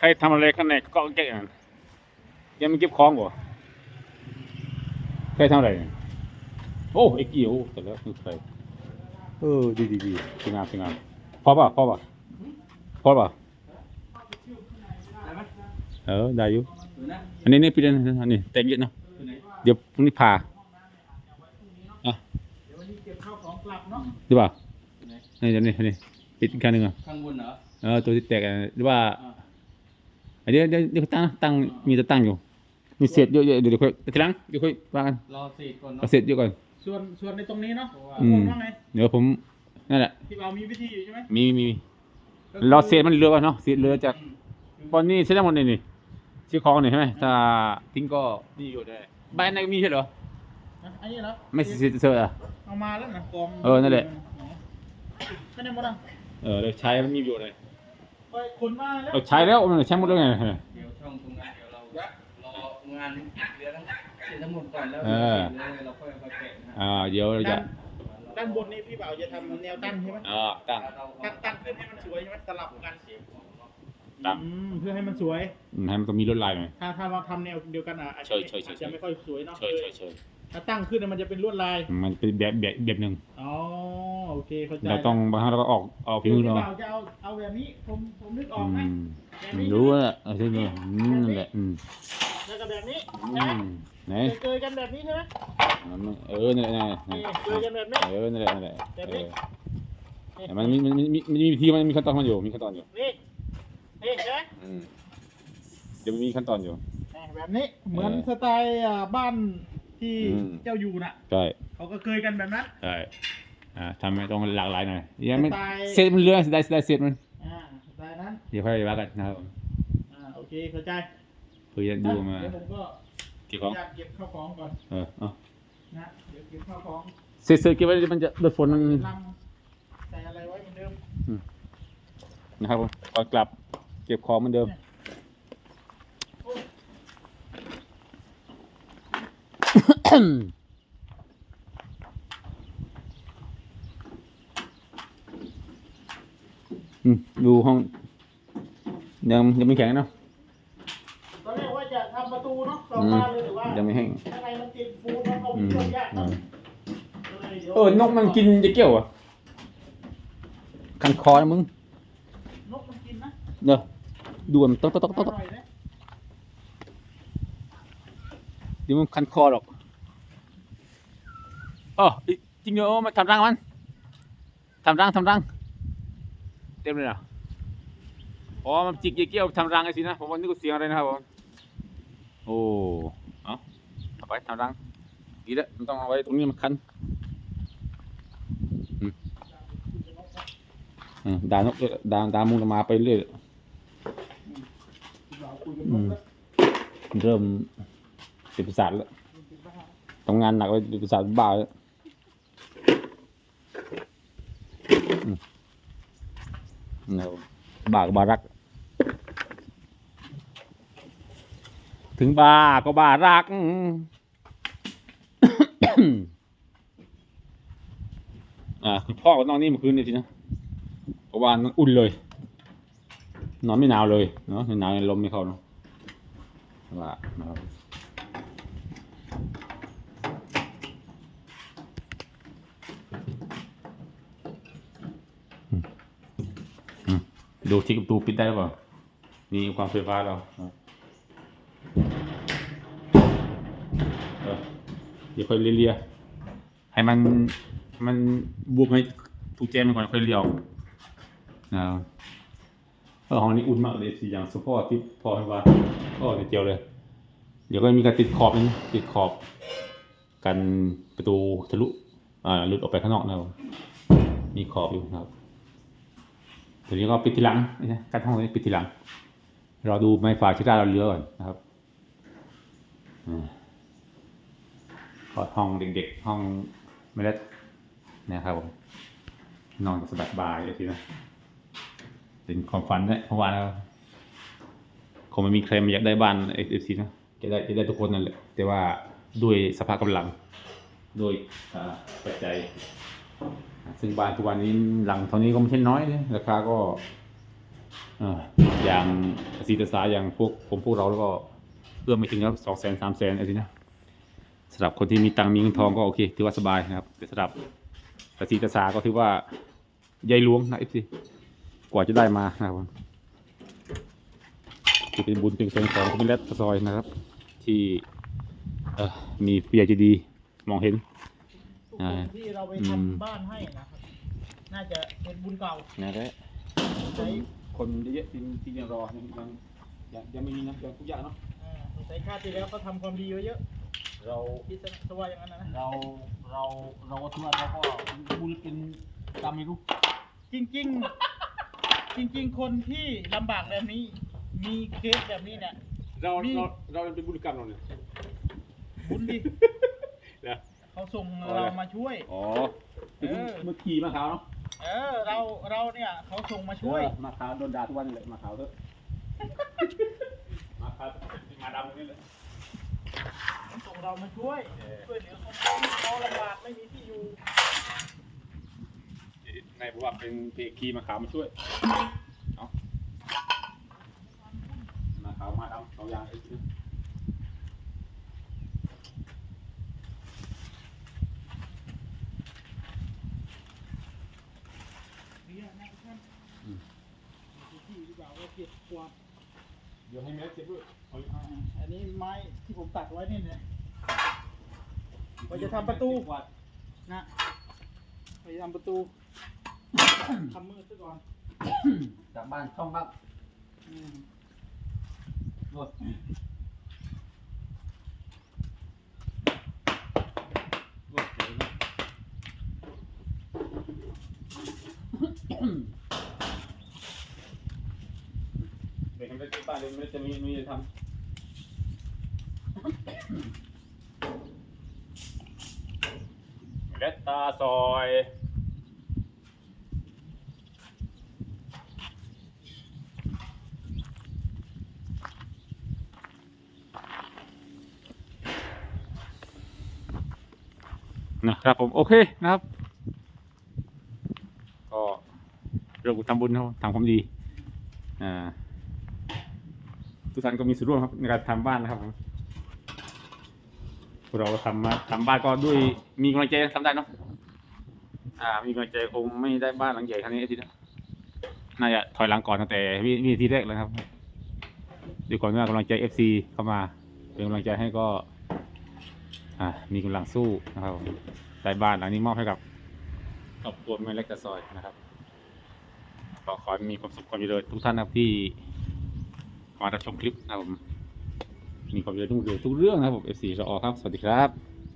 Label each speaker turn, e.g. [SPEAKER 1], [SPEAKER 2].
[SPEAKER 1] รทำอะไรข้างในก็แก้กันยังไม่เก็บของบ่ใครทำอะไรโอ้ไอ้กี่โอ้แต่แล้วคือใครดีสวยงามสวยงามพอป่ะพอป่ะได้อยู่อันนี้ปีนั้นอันนี้แต่งเยอะเนาะเดี๋ยวพรุ่งนี้พาอ่ะ
[SPEAKER 2] เดี๋ยววันนี้เก็บข้าวของกลับเนาะ
[SPEAKER 1] ดีป่ะนี่เดี๋ยวนี้ปิดอีกครั้งหนึ่งอ่ะ
[SPEAKER 2] ข้างบนเหรอ
[SPEAKER 1] ตัวที่แตกหรือว่าเดี๋ยวตั้งมีจะตั้งอยู่มีเศษเยอะๆเดี๋ยวค่อยทีหลังเดี๋ยวค่อยวางกัน
[SPEAKER 2] รอเศษก่อน
[SPEAKER 1] เอา
[SPEAKER 2] เนาะ
[SPEAKER 1] เศษเยอะก่อน
[SPEAKER 2] ส่วนในตรงนี้เนาะค
[SPEAKER 1] อืม
[SPEAKER 2] นว่าไง
[SPEAKER 1] เดี๋ยวผมนั่นแหละ
[SPEAKER 2] ที่เรามีวิธีอยู่ใช่ไหม
[SPEAKER 1] มีรอเศษมันเหลือป่ะเนาะเศษเหลือจากตอนนี้เศษทั้งหมดนี่ซื้อของนี่ใช่ไหมถ้าทิ้งก็นี่อยู่ได้บ้านไหนมีใช่เหรอ
[SPEAKER 2] อันนี้เหรอ
[SPEAKER 1] ไม่เศษอ่ะ
[SPEAKER 2] เอามาแล้วนะกอง
[SPEAKER 1] นั่นแหละ
[SPEAKER 2] ไม่ได้หมดอ่ะ
[SPEAKER 1] เราใช้มันมีประโยชน์เลย
[SPEAKER 2] ไปขนมาแล้ว
[SPEAKER 1] เราใช้แล้วมันใช้หมดแล้วไง
[SPEAKER 2] เดี๋ยวช่องตรงนั้นเดี๋ยวเรารองานเรือทั้งหมดก่อนแล้วเราค่อยเอาไปแกะนะ
[SPEAKER 1] เดี๋ยวเราจะ
[SPEAKER 2] ด้านบนนี่พี่บ่าวจะทำแนวตั้งใช่ไหม
[SPEAKER 1] ตั้ง
[SPEAKER 2] ขึ้นให้มันสวยใช่ไหมสลับกัน
[SPEAKER 1] ตั้ง
[SPEAKER 2] เพื่อให้มันสวย
[SPEAKER 1] ให้มันต้องมีลวดลายหน่อย
[SPEAKER 2] ถ้าเราทำแนวเดียวกันอาจจะไม่ค่อยสวยเนาะถ้าตั้งขึ้นมันจะเป็นลวดลาย
[SPEAKER 1] มันเป็นแบบหนึ่ง
[SPEAKER 2] อ๋อโอเคเข้าใจ
[SPEAKER 1] เราต้องบางครั้งเราก็ออกพิมพ์เรา
[SPEAKER 2] จะเอาแบบนี้ผมนึกออกไหม
[SPEAKER 1] รู้ว่าใช่ไหมนั่นแหละ
[SPEAKER 2] แล้วก็แบบนี้
[SPEAKER 1] ไหน
[SPEAKER 2] เกยกันแบบนี้ใช่ไหม
[SPEAKER 1] นั่นแหละ
[SPEAKER 2] เกยกันแบบนี้
[SPEAKER 1] นั่นแหละมันมีวิธีมันมีขั้นตอนมันอยู่นี่
[SPEAKER 2] ใช่ไหม
[SPEAKER 1] เดี๋ยวมีขั้นตอนอยู่
[SPEAKER 2] แบบนี้เหมือนสไตล์บ้านที่เจ้าอยู่น่ะ
[SPEAKER 1] ใช่
[SPEAKER 2] เขาก็เคยกันแบบนั้น
[SPEAKER 1] ใช่ทำให้ต้องหลากหลายหน่อยยังไม่เสร็จมันเรื่องได้เสร็จมัน
[SPEAKER 2] สไตล์นั้น
[SPEAKER 1] เดี๋ยวค่อยว่ากันนะครับ
[SPEAKER 2] โอเคเข้าใจ
[SPEAKER 1] เพื่อดูมา
[SPEAKER 2] เดี๋ยวผมก็
[SPEAKER 1] เก็บของ
[SPEAKER 2] เก็บข้าวของก่อนนะเดี๋ยวเก็บข้าวของ
[SPEAKER 1] เสร็จเก็บไว้มันจะโดนฝนมัน
[SPEAKER 2] ใส่อะไรไว้เหมือนเดิม
[SPEAKER 1] นะครับผมก่อนกลับเก็บของเหมือนเดิมดูห้องยังไม่แข็งเนาะ
[SPEAKER 2] ตอนแรกว่าจะทำประตูเนาะสองบานเลยหรือว่า
[SPEAKER 1] ยังไม่แห้ง
[SPEAKER 2] ข้างในมันติดปูนมันเอาเชือกยาก
[SPEAKER 1] นกมันกินจะเกี่ยวอ่ะคันคอนะมึง
[SPEAKER 2] นกมันกินนะ
[SPEAKER 1] เดี๋ยวดูมันต๊อกเดี๋ยวมันคันคอหรอกจริงเหรอมาทำรังมันทำรังเต็มเลยนะมันจิกเกี่ยวทำรังไอ้สินะผมว่านึกว่าเสียงอะไรนะครับผมเอาไปทำรังดีแล้วมันต้องเอาไว้ตรงนี้มันคันด่านกด่ามุงมาไปเรื่อยเริ่มติดประสาทแล้วทำงานหนักเลยติดประสาทบ้าแล้วบ้าก็บ้ารักถึงบ้าก็บ้ารักคุณพ่อก็นอนนี่เมื่อคืนนี่สินะเพราะว่าอุ่นเลยนอนไม่หนาวเลยเนาะหนาวลมไม่เข้าเนาะว่านะครับดูที่ประตูปิดได้หรือเปล่านี่ความไฟฟ้าเราเดี๋ยวค่อยเลียให้มันบวกให้ถูกแจมันก่อนค่อยเลียวนะครับห้องนี้อุ่นมากเลยสีอย่างสปอร์ตที่พอให้ว่าเดียวเลยเดี๋ยวก็มีการติดขอบกันประตูทะลุหลุดออกไปข้างนอกนะครับมีขอบอยู่นะครับเดี๋ยวนี้ก็ปิดทีหลังนะกั้นห้องนี้ปิดทีหลังเราดูไม้ฝาชิดาเราเลือก่อนนะครับห้องเด็กๆห้องไม่เล็กนะครับผมนอนสบายเลยทีนะเป็นความฝันเนี่ยเพราะว่าแล้วคงไม่มีใครมาอยากได้บ้านFCนะจะได้ทุกคนนั่นแหละแต่ว่าด้วยสภาพกำลังด้วยปัจจัยซึ่งบ้านทุกวันนี้หลังเท่านี้ก็ไม่ใช่น้อยเลยราคาก็อย่างสีตาสาอย่างพวกเราแล้วก็เอื้อมไม่ถึงครับ200,000 300,000อะไรนะสำหรับคนที่มีตังค์มีเงินทองก็โอเคถือว่าสบายนะครับแต่สำหรับสีตาสาก็ถือว่าใยหลวงนะFCกว่าจะได้มานะครับที่เป็นบุญเป็นส่วนของคุณมิเลตซอยนะครับ ที่มีผู้ใหญ่ใจดีมองเห็น
[SPEAKER 3] ทุกคนที่เราไปทำบ้านให้นะครับน่าจะเป็นบุญเก่า
[SPEAKER 1] นะแหละ
[SPEAKER 3] ใช้
[SPEAKER 1] คนเยอะๆที่ยังรอยังไม่มีนะยังทุกอย่างเนาะ
[SPEAKER 3] ใช้ชาติที่แล้วเขาทำความดีไว้เยอะ
[SPEAKER 2] เรา
[SPEAKER 3] คิดซะว่าอย่างนั้นนะ
[SPEAKER 2] เราก็ถือว่าเราก็บุญเป็นกรรมไม่รู้
[SPEAKER 3] จริงๆ จริง ๆ คนที่ลำบากแบบนี้ มีเคสแบบนี้เนี่ย
[SPEAKER 1] เราเป็นบุญกรรมเราเนี่ย
[SPEAKER 3] บุญดิ
[SPEAKER 1] นะ
[SPEAKER 3] เขาส่งเรามาช่วย
[SPEAKER 1] อ๋อเมื่อกี้มาขาวเนาะ
[SPEAKER 3] เราเนี่ยเขาส่งมาช่วย
[SPEAKER 1] มาขาวโดนด่าทุกวันเลยมาขาวเถอะมาขาวมาดำนี่เลย
[SPEAKER 3] ส่งเรามาช่วยช่วยเหลือคนที่เขาลำบากไม่มีที่อยู่
[SPEAKER 1] นายบอกว่าเป็นเพคีมาขาวมาช่วยเนาะมาขาวมาดำเอายางไอ้ที่
[SPEAKER 3] เนี่ยนะทุกท่านที่ดีกว่าว่าเก็บกวาด
[SPEAKER 1] เดี๋ยวให้แม่เจ็บด้วย
[SPEAKER 3] อันนี้ไม้ที่ผมตัดไว้นี่เนี่ยเราจะทำประตูนะเราจะทำประตูทำมือซะก่อน
[SPEAKER 2] จากบ้านช่องครับ
[SPEAKER 1] รถรถเลยนะเด็กมันจะบ้านเด็กมันจะมีทำเล็ดตาซอยนะครับผมโอเคนะครับก็เรื่องทำบุญเขาทำความดีทุกท่านก็มีส่วนร่วมครับในการทำบ้านนะครับผมพวกเราทำบ้านก็ด้วยมีกำลังใจทำได้เนาะมีกำลังใจคงไม่ได้บ้านหลังใหญ่ขนาดนี้ทีนะน่าจะถอยหลังก่อนตั้งแต่วิธีแรกเลยครับด้วยก่อนว่ากำลังใจ FC เข้ามาเป็นกำลังใจให้ก็มีกำลังสู้นะครับได้บ้านหลังนี้มอบให้กับครอบครัวแม่เล็กตะซอยนะครับก็ขอให้มีความสุขความเจริญทุกท่านนะครับที่มารับชมคลิปนะครับผมมีความเจริญทุกเรื่องนะครับผม FC รอครับสวัสดีครับ